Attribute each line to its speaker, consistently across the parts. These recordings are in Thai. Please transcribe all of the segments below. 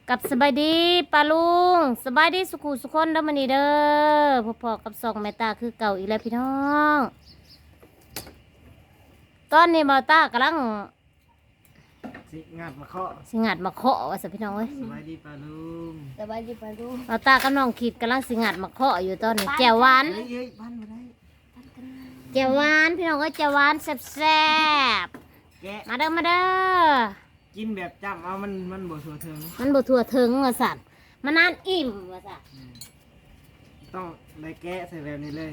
Speaker 1: กับสบายดีปาลุงสบายดีสุขุสุขคนเด้อมันนี่เด้อพอๆกับสองแม่ตาคือเก่าอีกแล้วพี่น้องตอนนี้บ่าวตากำลัง
Speaker 2: สิงัดมาเคาะ
Speaker 1: สิงัดมาเคาะว่าสิพี่น้องเอ้ย
Speaker 2: สบายดีปลาลุง
Speaker 3: สบายดีปะลูก
Speaker 1: บ่าวตากับน้องขีดกำลังสิงัดมาเคาะอยู่ตอนนี้แจ่วหวาน
Speaker 2: เฮ้ยเฮ้ยพันมาได้
Speaker 1: แจ่วหวานพี่น้องเอ้ยแจ่วหวานแซ่บ
Speaker 2: แกะ
Speaker 1: ๆมาเด้อมาเด้อ
Speaker 2: กินแบบจำเอามันบ่สัวเทิง
Speaker 1: มันบ่ทั่วถึงว่าสั่นมันนานอิ่มว่าสั่น
Speaker 2: ต้องได้แกะใส่แบบนี้เลย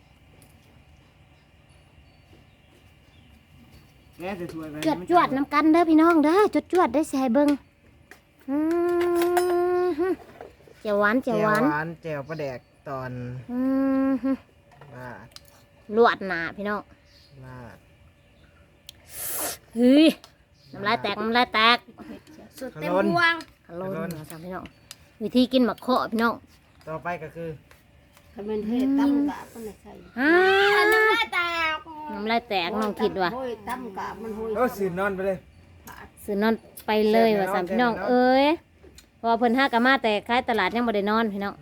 Speaker 2: แกะใส่ถ้วยแบบ
Speaker 1: จวดๆน้ำกันเด้อพี่น้องเด้อจวดๆได้ใส่เบิ่งอือฮึแจ่วหวานแจ่วหวาน
Speaker 2: แจ่วปลาแดกตอน
Speaker 1: อืมฮึ
Speaker 2: ลาด
Speaker 1: ลวดหนาพี่น้อง
Speaker 2: ลาด
Speaker 1: เฮ้ยน้ำลายแตกน้ำลายแตก
Speaker 3: สุดเต็มวง
Speaker 1: ฮัลโหลนะพี่น้องวิธีกินหมักเคาะพี่น้อง
Speaker 2: ต่อไปก็คือ
Speaker 3: คำเป็นเทศตั้มกะมันใส่
Speaker 1: ฮ่า
Speaker 3: น้ำลายแตก
Speaker 1: น้ำลายแตกน้องคิดว่า
Speaker 3: โอ้ยตั้มกะมันโหย
Speaker 2: โอ้สื่อนอนไปเลย
Speaker 1: ซื้อนอนไปเลยว่าสามพี่น้องเอ้ยเพอเพิ่นห้ากะมาแต่ขายตลาดยังบ่ได้นอนพี่น้อง
Speaker 2: แม่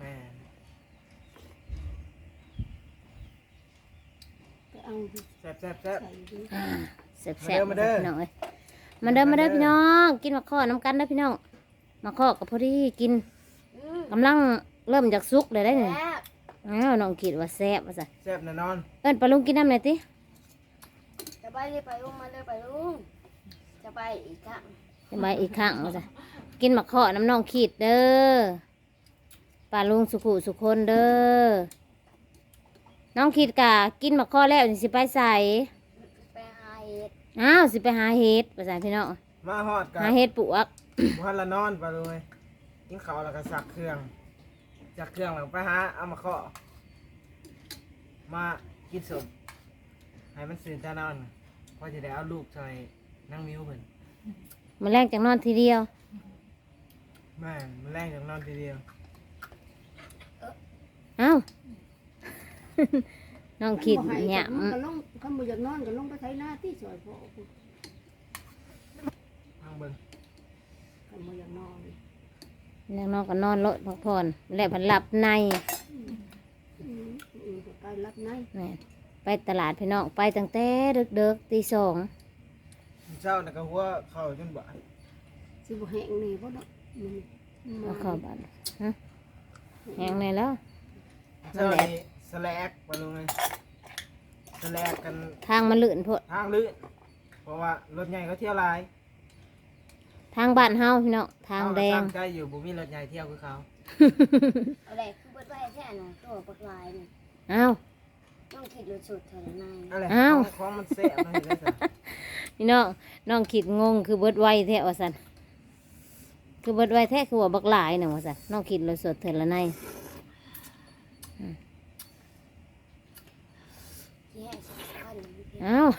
Speaker 3: เอา
Speaker 2: แซ่บแซ่บแซ่บ
Speaker 3: ใส่ดิ
Speaker 1: แซ่บๆ
Speaker 2: มาเด้อ
Speaker 1: พี่น้องเอ้ยมาเด้อมาเด้อพี่น้องกินหมักเคาะน้ำกันเด้อพี่น้องหมักเคาะกับพอดีกินกำลังเริ่มจากสุกเลยได้เนี่ย
Speaker 3: แล้ว
Speaker 1: อ้าวน้องคิดว่าแซ่บว่าซะ
Speaker 2: แซ่บแน่นอน
Speaker 1: เอิ้นปลาลุงกินน้ำหน่อยติ
Speaker 3: สบายดีไปลุงมาเลยไปลุงจะไปอีกครั้ง
Speaker 1: จะมาอีกครั้งว่าซะกินหมักเคาะน้ำน้องขีดเด้อปลาลุงสุขุสุคนเด้อน้องขีดกะกินหมักเคาะแล้วสิไปใส่
Speaker 3: ไปหาเห็ด
Speaker 1: อ้าวสิไปหาเห็ดว่าซะพี่น้อง
Speaker 2: มาฮอดกัน
Speaker 1: หาเห็ดปลวก
Speaker 2: พันละนอนปลาลุงเลยกินข้าวแล้วก็สักเครื่องจากเครื่องแล้วไปหาเอามาเคาะมากินสมให้มันสื่นตานอนพอจะได้เอาลูกใส่นั่งมิ้วเพิ่น
Speaker 1: มาแรกจากนอนทีเดียว
Speaker 2: แม่นมันแรงจากนอนทีเดียว
Speaker 1: อ้าว น้องขีดเนี่ย
Speaker 3: ก็ลงคำบ่อยากนอนก็ลงไปไถนาที่ซอยพ่อ
Speaker 2: ทางเบิ่ง
Speaker 3: คำบ่อยากนอน
Speaker 1: แล้วน้องก็นอนรถพักผ่อนแล้วพันหลับใน
Speaker 3: ก็ไปรับใน
Speaker 1: แม่นไปตลาดพี่น้องไปตั้งแต่เด็กๆตีสอง
Speaker 2: เช้าน่ะก็หัวเข้าจนบ่าย
Speaker 3: สิบ่แห้งนี่บ่เนาะมัน
Speaker 1: เอาเข้าบ้านฮะแหงในแล้ว
Speaker 2: เช้านี้สแลกปลาลุงเลยสแลกกัน
Speaker 1: ทางมันลื่นโพด
Speaker 2: ทางลื่นเพราะว่ารถใหญ่เขาเที่ยวหลาย
Speaker 1: ทางบ้านเฮาพี่น้องทางแดง
Speaker 2: เอก็ตั้ใจอยู่บ่มีรถใหญ่เที่ยวคือเขา
Speaker 3: อะไรคือเบิดไว้แท้น่ะตัวปักลายนี่
Speaker 1: อ้าว
Speaker 3: ต้องคิดรู้สุดเท่านั้น
Speaker 2: อะไร
Speaker 1: อ้าว
Speaker 2: ของมันแซ่บมันเห็นได้ซะ
Speaker 1: พี่น้องน้องคิดงงคือเบิดไวแท้ว่าซั่นคือเบิดไวแท้คือว่าบักหลายน่ะว่าซั่นน้องคิดเลยสดเถิดละใน
Speaker 3: ที่ให้สำคัญ
Speaker 1: อ้าว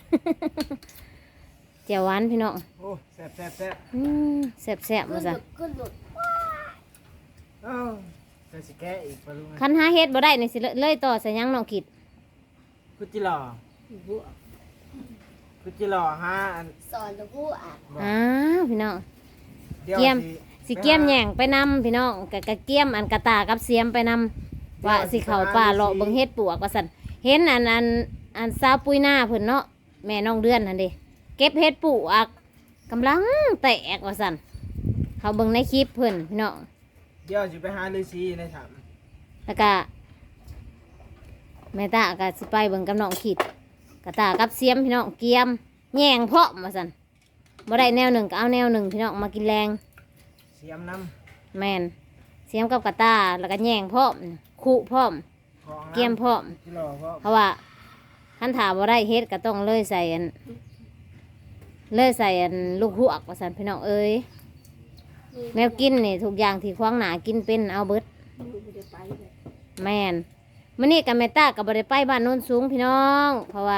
Speaker 1: เจียวหวานพี่น้อง
Speaker 2: โอ้แซ่บแซ่บแซ่บ
Speaker 1: แซ่บๆว่าซั่น
Speaker 3: ขึ้นหลุด
Speaker 2: เอ้าใส่สิแกะอีกปลาลุงเลย
Speaker 1: คันหาเฮ็ดบ่ได้นี่สิเลยต่อใส่หยังน้องคิด
Speaker 2: คือจิหล่อ
Speaker 3: หัว
Speaker 2: คือจิหล่อฮะอัน
Speaker 3: สอนตัวผู้อ่ะ
Speaker 2: บอก
Speaker 1: อ้าวพี่น้อง
Speaker 2: เดี๋ยว
Speaker 1: เกี่ยม สิ
Speaker 2: ไปหา
Speaker 1: เกี่ยมแหย่งไปนำพี่น้องกะเกี่ยมอันกระตากับเสียมไปนำว่าสิเข้าป่าเลาะเบิ่งเฮ็ดปลวกว่าซั่นเห็นอันสาวปุ้ยหน้าเพิ่นเนาะแม่น้องเดือนนั่นเด้เก็บเฮ็ดปลวกกำลังแตกว่าซั่นเขาเบิ่งในคลิปเพิ่นพี่น้อง
Speaker 2: เดี๋ยวสิไปหาฤาษีในถ้
Speaker 1: แล้วก็แม่ตาก็สิไปเบิ่งกับน้องขีดกระตากับเสียมพี่น้องเกี่ยมแหย่งเพาะว่าซั่นบ่ได้แนวหนึ่งก็เอาแนวหนึ่งพี่น้องมากินแรง
Speaker 2: ำเสียมน้
Speaker 1: แม่นเสียมกับกระตาแล้วก็แหย่งพร้อมขู่พร้อม
Speaker 2: ำของน้ำ
Speaker 1: เกี่ยมพร้อม
Speaker 2: จิหล่อเพราะ
Speaker 1: เพราะว่าคันถาบ่ได้เฮ็ดก็ต้องเลยใส่อันลูกหวกว่าซั่นพี่น้องเอ้ยแนวกินนี่ทุกอย่างที่ขวางหน้ากินเป็นเอาเบิด
Speaker 3: มือบ่ได้ไปเลย
Speaker 1: แม่นมื้อนี้กับแม่ตาก็บ่ได้ไปบ้านโน้นสูงพี่น้อง เพราะว่า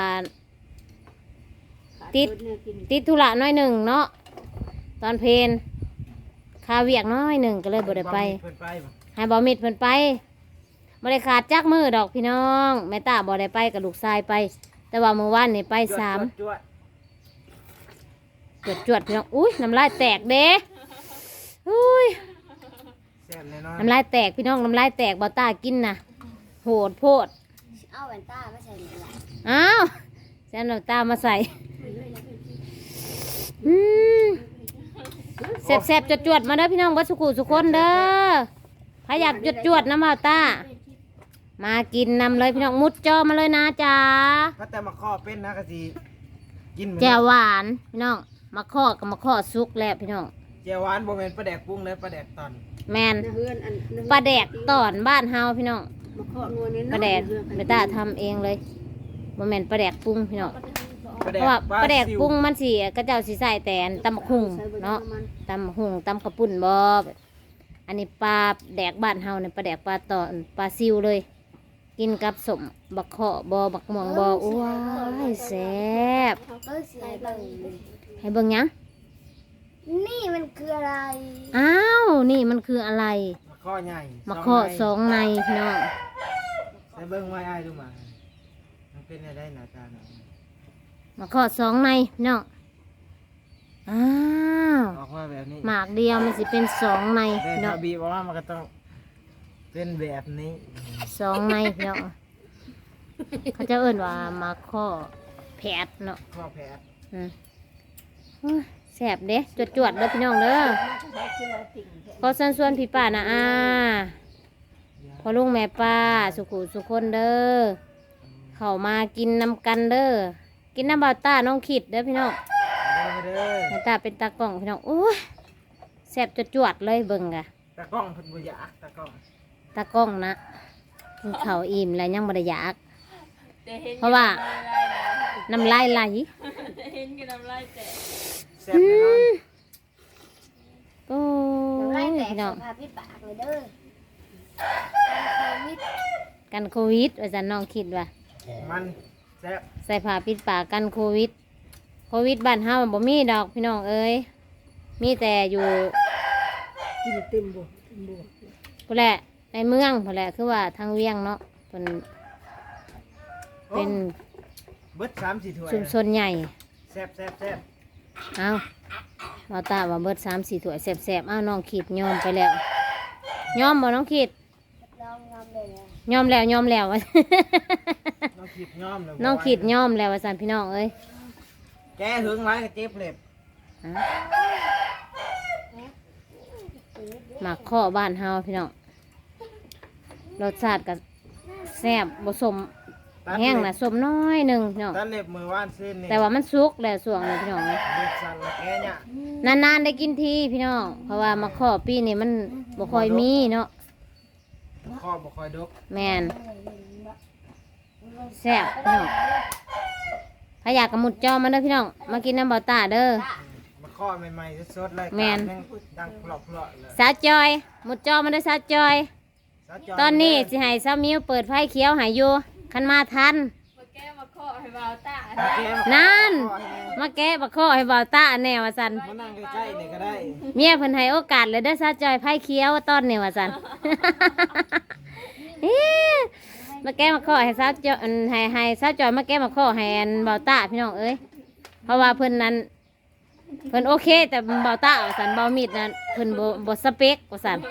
Speaker 3: ขา
Speaker 1: ติด
Speaker 3: เนื้อกิน
Speaker 1: ติดธุระน้อยหนึ่งเนาะตอนเพลนคาเวียกน้อยหนึ่งก็เลยบ่ได้ไป
Speaker 2: เพิ่นไปบ่
Speaker 1: ให้บ่มิดเพิ่นไปบ่ได้ขาดจักมือดอกพี่น้องแม่ตาบ่ได้ไปกับลูกชายไป แต่ว่าเมื่อวานนี่ไปสาม
Speaker 2: จวด
Speaker 1: จวดๆพี่น้องอุ้ยน้ำลายแตกเด้อุ้ย
Speaker 2: ๆบแน่นอน
Speaker 1: น้ำลายแตกพี่น้องน้ำลายแตกบ่ตากินนะโหดโพด
Speaker 3: เอาแว่นตาไม่ใส่หรือล่ะ
Speaker 1: อ้าวแซนเอาตามาใส่อืมแซ่บๆจวดๆมาเด้อพี่น้องวัดสุขุสุคนเด้อถ้าอยากจวดๆน้ำบ่ตามากินนำเลยพี่น้องมุดจอมาเลยนะจ๊ะ
Speaker 2: ถ้าแต่มาข้อเป็นนะกะสิกินเหมือน
Speaker 1: แจ่วหวานพี่น้องมาข้อกับมาข้อซุกแล้วพี่น้อง
Speaker 2: แจ่วหวานบ่แม่นปลาแดกปรุงเลยปลาแดกตอน
Speaker 1: แมน
Speaker 3: เฮือนอัน
Speaker 1: ปลาแดกตอนบ้านเฮาพี่น้อง
Speaker 3: มาเคาะงัวนี่
Speaker 1: ปลาแดกเบต้าทำเองเลยบ่แม่นปลาแดกปรุงพี่น้อง
Speaker 2: ปลา
Speaker 1: เพ
Speaker 2: แดก
Speaker 1: ราะว่าปลาแดก
Speaker 2: ซิว
Speaker 1: ปรุงมันสิกระเจ้าสิใส่แต่อันตำบักหุ่งเนาะตำบักหุ่งตำกระปุ่นบ่อันนี้ปลาแดกบ้านเฮาเนี่ยปลาแดกปลาตอนปลาซิวเลย กินกับสมบักเคาะบ่บักม่วงบ่อ้วยแซ่บ
Speaker 3: เออสิให้เบิ่ง
Speaker 1: ให้เบิ่งหยัง
Speaker 3: นี่มันคืออะไร
Speaker 1: อ้าวนี่มันคืออะไร
Speaker 2: มาข้อใหญ่
Speaker 1: มาเคาะสองในพี่น้อง
Speaker 2: ใส่เบิ่งไว้อ้ายดูมามันเป็นอะไรหน้าตาเนาะ
Speaker 1: มาเคาะสองในพี่น้องอ้าว
Speaker 2: ออกมาแบบนี้
Speaker 1: หมากเดียวมันสิเป็นสองใน
Speaker 2: แต่
Speaker 1: พี่น้
Speaker 2: ถ้า
Speaker 1: อง
Speaker 2: บีบออกมามันก็ต้องเป็นแบบนี้
Speaker 1: สองในพี่น้องเขาจะเอิ้นว่ามาข้อแผดเนาะ
Speaker 2: ข้อแผล
Speaker 1: อืมโอ้ยแสบเด้จวดๆเด้อพี่น้องเด้อขอเชิญชวนพี่ป้านะพอลุงแม่ป้าสุขุสุคนเด้อเข้ามากินนำกันเด้อกินน้ำบ่าวต้าน้องขิดเด้อพี่น้อง
Speaker 2: เอาไปเด้อ
Speaker 1: แม่ตาเป็นตากล้องพี่น้องโอ้ยแสบจวดๆเลยเบิ่งกะ
Speaker 2: ตากล้องเพิ่นบ่อยากตากล้อง
Speaker 1: ตากล้องนะกินข้าวอิ่มแล้วยังบ่ได้อยาก เพราะว่าน้ำลายไหล
Speaker 4: เห็นกันน้ำลายแตก
Speaker 2: แซ่บแน่นอน
Speaker 1: โอ้
Speaker 3: เดี๋ยวย ไล่แตก
Speaker 1: พี่น้อง
Speaker 3: สภาพพี่ปากเลยเด้อการโควิด
Speaker 1: กันโควิดว่าจะน้องคิดว่า
Speaker 2: มันแซ่บ
Speaker 1: ใส่ผ้าปิดปากกันโควิด โควิดบ้านเฮามันบ่มีดอกพี่น้องเอ้ยมีแต่อยู่
Speaker 3: กินเต็มบ่
Speaker 1: พุ่นแหละในเมืองพุ่นแหละคือว่าทางเวียงเนาะเป็น
Speaker 2: โอ้
Speaker 1: เป็น
Speaker 2: เบิด3-4ถ้วย
Speaker 1: ชุมชนใหญ่
Speaker 2: แซ่บแซ่บแซ่บ
Speaker 1: เอาเราตาว่าเบิด3-4ถ้วยแซ่บๆเอาน้องขีดยอมไปแล้วยอมบ่น้องขีด
Speaker 3: ลองงามเลยนะ
Speaker 1: ยอมแล้วยอมแล้ว
Speaker 2: น้องขีดย้อมเลย
Speaker 1: น้องขีดยอมแล้วว่าซั่นพี่น้องเอ้ย
Speaker 2: แกหึงหลายก็เจ็บเล็บ
Speaker 1: อ่ะหมักข้อบ้านเฮาพี่น้องรสชาติก็แซ่บบ่สม
Speaker 2: ตัด
Speaker 1: แห้ง
Speaker 2: เล็
Speaker 1: นะ
Speaker 2: บ
Speaker 1: สมน้อยหนึ่งพี่น้อง
Speaker 2: ตัดเล็บมือว่านซื่นนี่
Speaker 1: แต่ว่ามันสุกแล้วส่วงนี้พี่น้องเอ้ย
Speaker 2: เล็บสั่นละแกเนี่ย
Speaker 1: นานๆได้กินทีพี่น้องเพราะว่ามาข้อปีนี้มันบ่ค่อยมีเนาะ
Speaker 2: ข้อบ่ค่อยดก
Speaker 1: แมนแซ่บพี่น้องถ้าอยากกระมุดจอมาเด้อพี่น้องมากินน้ำเบาตาเด้อ
Speaker 2: มาข้อใหม่ๆสดๆเลย
Speaker 1: แม่น
Speaker 2: ดังเพลาะๆเลย
Speaker 1: สาวจอยหมุดจอมาเด้อสาวจอย
Speaker 2: สาวจย
Speaker 1: ตอนนี้สิให้สาวมิวเปิดไฟเขียวใหายอยู่คันมาทัน
Speaker 4: มาแก้มาเคาะให้เบาตา
Speaker 2: มาแกะมา
Speaker 1: นั่น
Speaker 2: ข้อให้แม่
Speaker 1: มาแก้บักข้อให้เบาตาแนวว่าสัน
Speaker 2: มานั่งใกล้ๆนี่ก็ได้
Speaker 1: เมียเพิ่นให้โอกาสเลยเด้อสาวจอยไฟเขียวตอนนี้ว่าสัน มาแก้มาข้อให้สาวจอยให้สาวจอยมาแก้มาข้อให้อันเบาตาพี่น้องเอ้ยเพราะว่าเพิ่นนั้นเพิ่นโอเค แต่เบาตาว่าสันเบามีดนั้นเพิ่นบ่สเปกว่าสัน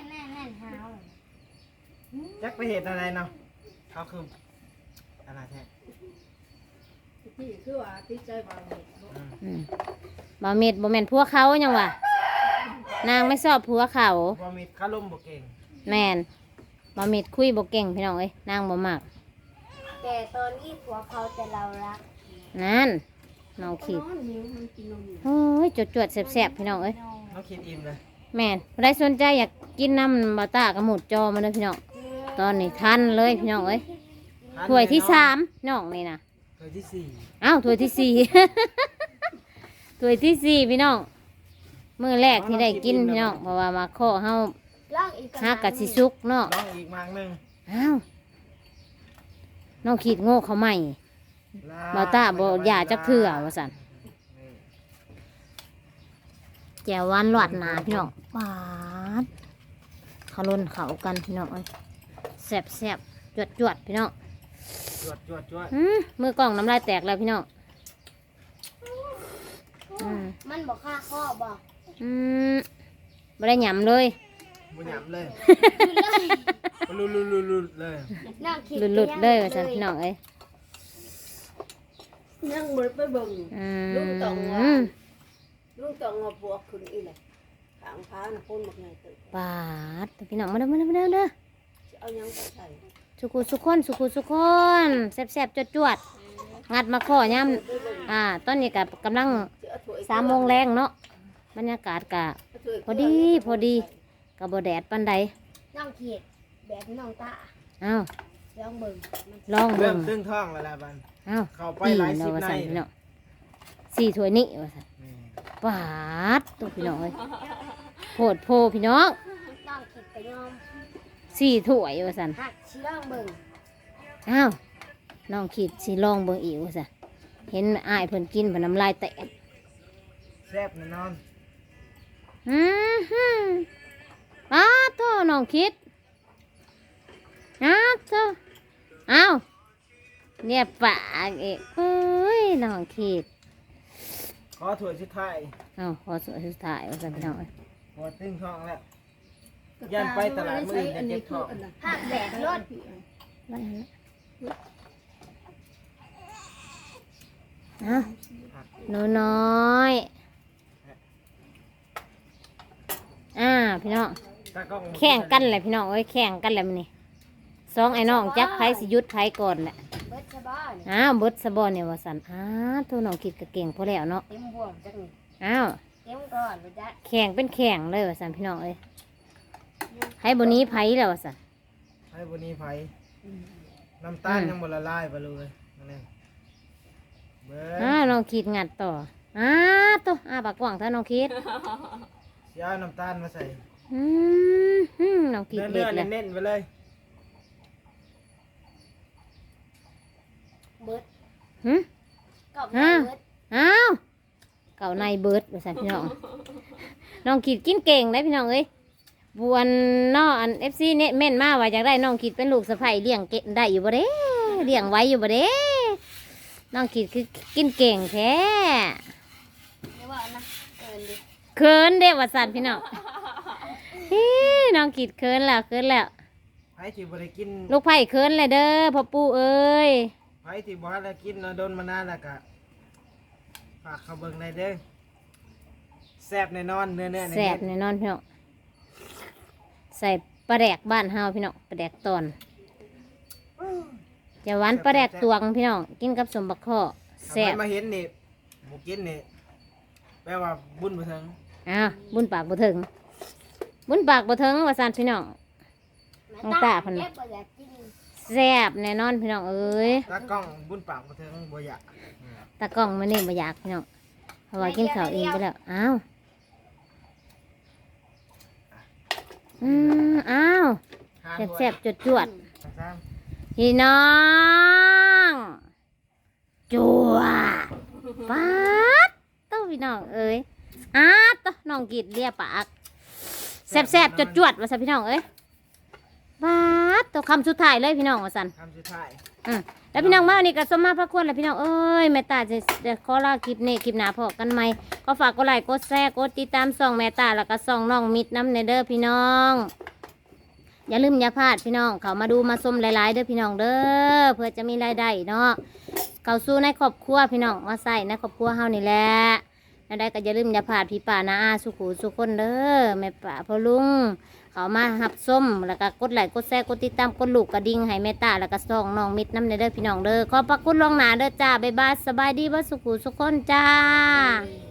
Speaker 2: จักไปเหตุอะไรเนาะเขาคืออะไรแท้
Speaker 3: ที่คือว่าติดใจบาง
Speaker 1: อืมเบามีดบ่แม่นผัวเขาหยังวะนางไม่ชอบผัวเขา
Speaker 2: พอมีคาร่มบ่เก่ง
Speaker 1: แม่นเบามีดคุยบ่เก่งพี่น้องเอ้ยนางบ่มัก
Speaker 3: แต่ตอนนี้ผัวเขาแต่เรารัก
Speaker 1: นั่นน้องขีด
Speaker 3: นิ้วมันกินนมอยู่
Speaker 1: โอ้ยจวดๆแซ่บๆพี่น้องเอ้ย
Speaker 2: น้องคิดอิ่มเลย
Speaker 1: แม่นใครสนใจอยากกินน้ำบาตากระหมุดจอมาเลยพี่น้องตอนนี้ทันเลยพี่น้องเอ้ยถ้วยที่3น้องนี่นะ
Speaker 2: ถ้วยที่สี่
Speaker 1: อ้าวถ้วยที่4 ถ้วยที่4พี่น้องมื้อแรกที่ได้กินพี่น้องเพราะว่ามาข้อเฮา
Speaker 3: ล่างอีก
Speaker 1: ฮักกะสิสุกเนาะ
Speaker 2: น้องอีกมากหนึง
Speaker 1: อ้าวน้องขีดโง่เขาใหม่บาตาบ่อย่าจักเถื่อว่าซั่นแจ่วหวานหลอดหนาพี่น้องหวานเขาล้นเขากันพี่น้องเอ้ยแซ่บๆจวดๆพี่น้อง
Speaker 2: จวด
Speaker 1: มือกล่องน้ำลายแตกแล้วพี่น้อง
Speaker 3: มันบอกค่าข้อบอก
Speaker 1: ไม่ได้หยำเลย
Speaker 2: บบุญหยำเลย
Speaker 3: หลุดเลย
Speaker 2: ลุดเลย
Speaker 3: นั่งคิด
Speaker 1: หลุดๆเลยว่าซั่นพี่น้องเอ้ย
Speaker 5: ยังบ่ได้ไปเบิ่ง
Speaker 1: อื
Speaker 5: ลุงต้องว่า
Speaker 1: ม
Speaker 5: ลุงต้องเอาบวกขึ้นอีแหละขางพาน่ะพ่นบักใหญ่ตึก
Speaker 1: ปาดพี่น้องมาเด้อมาเด้อมาเด้อเด้อ
Speaker 5: สิเอาหยังไปใส่
Speaker 1: สุขุคนแซ่บๆจวดๆงัดมาข้อยามตอนนี้ก็กำลัง
Speaker 5: สิเอาถ้วย
Speaker 1: 3 โมงแรงเนาะบรรยากาศก็
Speaker 5: เอาถ้วย
Speaker 1: พอดีก็บ่แดดปานใด
Speaker 3: นั่งคิดแบบน้องตา
Speaker 1: อ้าว
Speaker 3: ลองเบิ่งมัน
Speaker 1: ลอง
Speaker 2: เริ่
Speaker 1: เบิ่
Speaker 2: ม
Speaker 1: ง
Speaker 2: ตึงท้องแล้วล่ะบัน
Speaker 1: อ้าว
Speaker 2: เข้าไป
Speaker 1: ปี
Speaker 2: หลาย
Speaker 1: เนาะ
Speaker 2: สิบ
Speaker 1: ว่า
Speaker 2: ใน
Speaker 1: ซั่นพี่น้อง4ถ้วยนี้ว่าซั่น
Speaker 2: นี่
Speaker 1: ปาดตัวพี่น้องเอ้ยโพดโพพี่น้อง
Speaker 3: นั่งคิดไปยอม
Speaker 1: 4ถ้วยว่าซั่น
Speaker 3: หักชิลองเบิ่ง
Speaker 1: อ้าวน้องคิดสิลองเบิ่งอีกว่าซั่นเห็นอ้ายเพิ่นกินเพิ่นน้ำลายแตก
Speaker 2: แซ่บแน่นอน
Speaker 1: ฮึอ้าวโตน้องคิดอ้าวโตอ้าวเนี่ยปากเอกเฮ้ยน้องคิด
Speaker 2: ขอถ้วยสุดท้าย
Speaker 1: อ้าวขอสุดท้ายว่าซั่นพี่น้องเอ้ย
Speaker 2: พอตึงท้องแล้ว ย่านไปตลาดมื้ออื่นจะเจ็บท้อง
Speaker 3: หักแดดรถ
Speaker 1: ไว้หั่นละอ้าวหนูน้อยพี่น้อง
Speaker 2: ตากล้อง
Speaker 1: แข่งกันแหละพี่น้องเอ้ยแข่งกันแหละมันนี่สองไอ้น้องจักไผสิหยุดไผก่อนแหละ
Speaker 3: เบิดชะบ้าน
Speaker 1: อ้าวเบิดสะบอเนี่ยว่าสันตัวน้องคิดก็เก่งพอแล้วเนาะ
Speaker 3: เต็มบ่วงจักนี่
Speaker 1: อ้าว
Speaker 3: เต็มก่อนบ่จ๊ะ
Speaker 1: แข่งเป็นแข่งเลยว่าสันพี่น้องเอ้ยให้บนนี้ไผแล้วว่าสัน
Speaker 2: ให้บนนี้ไผน้ำตาลยังบ่ละลายไปเลยนั่นเองเบิ้ง
Speaker 1: น้องคิดงัดต่อตัวปากกว้างถ้าน้องคิด
Speaker 2: เสียเอาน้ำตาลมาใส่
Speaker 1: น้องคิด
Speaker 2: เนื้
Speaker 1: เด็
Speaker 2: อ
Speaker 1: ดเลย
Speaker 2: เน้นๆไปเลย
Speaker 3: เบิด
Speaker 1: หึ
Speaker 3: กับ
Speaker 1: ฮะ
Speaker 3: เบิด
Speaker 1: อ้าวเก่าในเบิร์ดว่าสันพี่น้องน้องคิดกินเก่งได้พี่น้องเอ้ยบวนน้ออันFCเนี่ยเม่นมาว่าอยากได้น้องคิดเป็นลูกสะใภ้เลี้ยงเก่งได้อยู่บ่เด้เลี้ยงไว้อยู่บ่เด้น้องคิดคือกินเก่งแท้
Speaker 3: เดี๋ยวว่านะเอิ้นดิ
Speaker 1: เคินเด้ว่าสันพี่น้องฮิน้องคิดเคินแล้ว
Speaker 2: ไผที่บ่ได้กิน
Speaker 1: ลูกไผ่เคินเลยเด้อพ่อปู่เอ้ย
Speaker 2: ไผที่บ่ได้กินแล้วโดนมานานแล้วก็ฝากเขาเบิ่งได้เด้อแซ่บแน่นอนเนื้อๆ
Speaker 1: แซ่บแน่นอนพี่น้องใส่ปลาแดกบ้านเฮาพี่น้องปลาแดกตอนจะหวานปลาแดกตวงพี่น้องกินกับสมบักข้อ
Speaker 2: แซ่
Speaker 1: แซ่บ
Speaker 2: มาเห็นนี่บ่กินนี่แปลว่าบุญบ่ถึง
Speaker 1: บุญปากบ่ถึงบุญปากบ่ถึงว่าสันพี่น้อง น้องตาเพิ่น
Speaker 3: เก็บบ่อยากกิน
Speaker 1: แซ่บแน่นอนพี่น้องเอ้ย
Speaker 2: ตากล้องบุญปากบ่ถึงบ่อยาก
Speaker 1: ตากล้องมันนี่บ่อยากพี่น้องเพราะว่ากินข้าวเองไปแล้วอ้าว
Speaker 2: หา
Speaker 1: แซ่บๆจวดๆ
Speaker 2: สาม
Speaker 1: พี่น้องจัวป๊าดตู้พี่น้องเอ้ยตู้น้องกิดเลียปากแซ่บๆจวดๆว่าสันพี่น้องเอ้ยป๊าดตู้คำสุดท้ายเลยพี่น้องว่าสัน
Speaker 2: คำสุดท้าย
Speaker 1: แล้วพี่น้องมาวันนี้ก็สมมาพระคุณแล้วพี่น้องเอ้ยแม่ตาจะขอลาคลิปนี้คลิปหน้าพอกันไหมก็ฝากกดไลค์กดแชร์กดติดตามส่องแม่ตาแล้วก็ส่องน้องมิดน้ำในเด้อพี่น้อง อย่าลืมอย่าพลาดพี่น้องเขามาดูมาชมหลายๆเด้อพี่น้องเด้อเพื่อจะมีรายได้เนาะเขาสู้ในครอบครัวพี่น้องมาใส่ในครอบครัวเฮานี่แหละแล้วได้ก็อย่าลืมอย่าพลาดพี่ป่านาอาสุขูสุคนเด้อแม่ป่าพ่อลุงเขามาหับส้มแล้วก็กดไลค์กดแชร์กดติดตามกดลูกกระดิ่งให้แม่ตาแล้วก็ส่องน้องมิดน้ำในเด้อพี่น้องเด้อขอบพระคุณล่วงหน้าเด้อจ้าบ๊ายบายสบายดีบ่สุขูสุคนจ้า
Speaker 3: นี่